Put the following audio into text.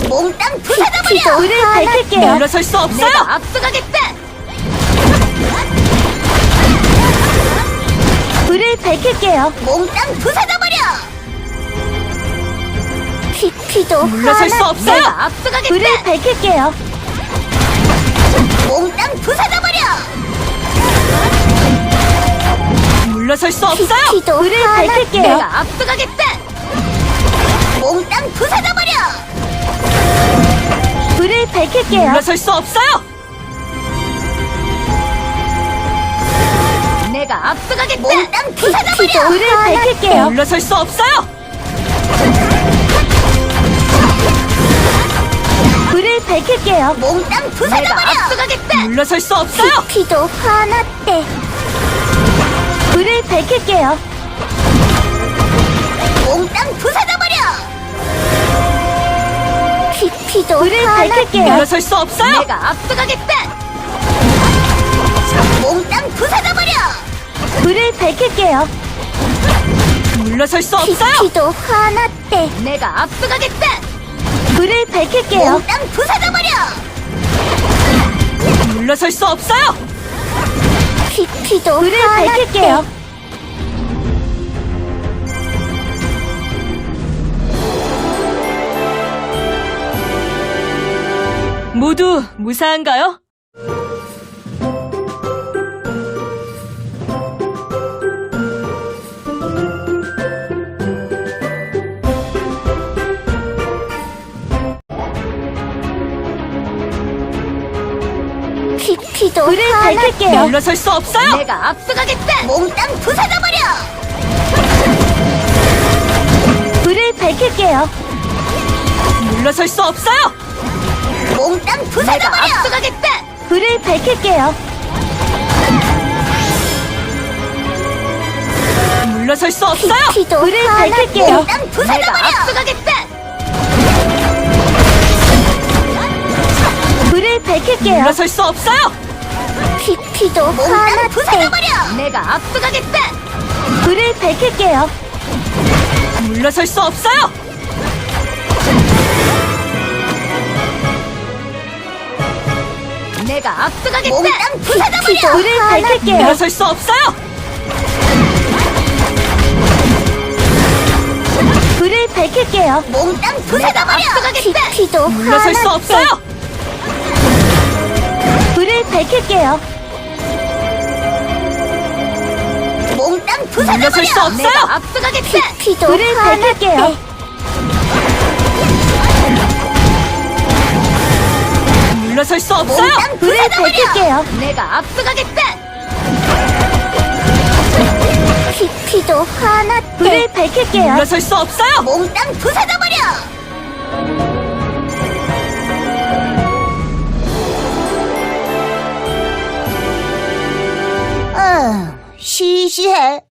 몽땅 부숴버려! 불을 밝힐게요. 물러설 수 없어요! 내가 앞서가겠다! 불을 밝힐게요. 몽땅 부숴버려! 피도 물러설 수 없어요! 내가 앞서가겠다! 불을 밝힐게요. 몽땅 부숴버려! 물러설 수 없어요! 피도 불을 밝힐게요. 내가 앞서가겠다! 몽땅 부숴버려! 불을 밝힐게요. 물러설 수 없어요! 내가 앞서가겠다! 몽땅 피도 부숴버려! 불을 밝힐게요. 물러설 수 없어요! 불을 밝힐게요. 몽땅 네, 부숴버려! 내가 앞서가겠다! 물러설 수 없어요! 피도 화났대. 불을 밝힐게요. 몽땅 부숴버려! 피도 불을 밝힐게요. 물러설 수 없어요! 내가 앞서가겠다! 몽땅 부숴버려! 불을 밝힐게요. 물러설 수 없어요! 피도 화났대. 내가 앞서가겠다! 불을 밝힐게요. 몽땅 부숴버려! 물러설 수 없어요! 피도 불을 밝힐게요. 모두 무사한가요? 피도 불을 밝힐게요. 물러설 수 없어요! 내가 앞서가겠다! 몽땅 부숴버려! 불을 밝힐게요. 물러설 수 없어요! 몽땅 부숴버려! 내가 앞서가겠다! 불을 밝힐게요. 물러설 수 없어요! 피도 불을 밝힐게요. 몽땅 부숴버려! 내가 앞서가겠다! 불을 밝힐게요. 물러설 수 없어요! 피도 몽땅 화났대. 부숴버려! 내가 앞서가겠다! 불을 밝힐게요. 물러설 수 없어요! 내가 앞서가겠다! 몽땅 피도 부숴버려! 불을 밝힐게요. 물러설 수 없어요! 불을 밝힐게요. 몽땅 부숴버려! 앞서가겠다! 피도 물러설 수 화났대. 없어요! 불을 밝힐게요. 몽땅 물러설 수 부숴버려! 없어요! 내가 앞서가겠다! 피도 불을 밝힐게요. 물러설 수 없어요! 몽땅 불을 부숴버려! 밝힐게요. 내가 앞서가겠다! 피도 화났대. 불을 밝힐게요. 물러설 수 없어요! 몽땅 부숴버려! 시시해.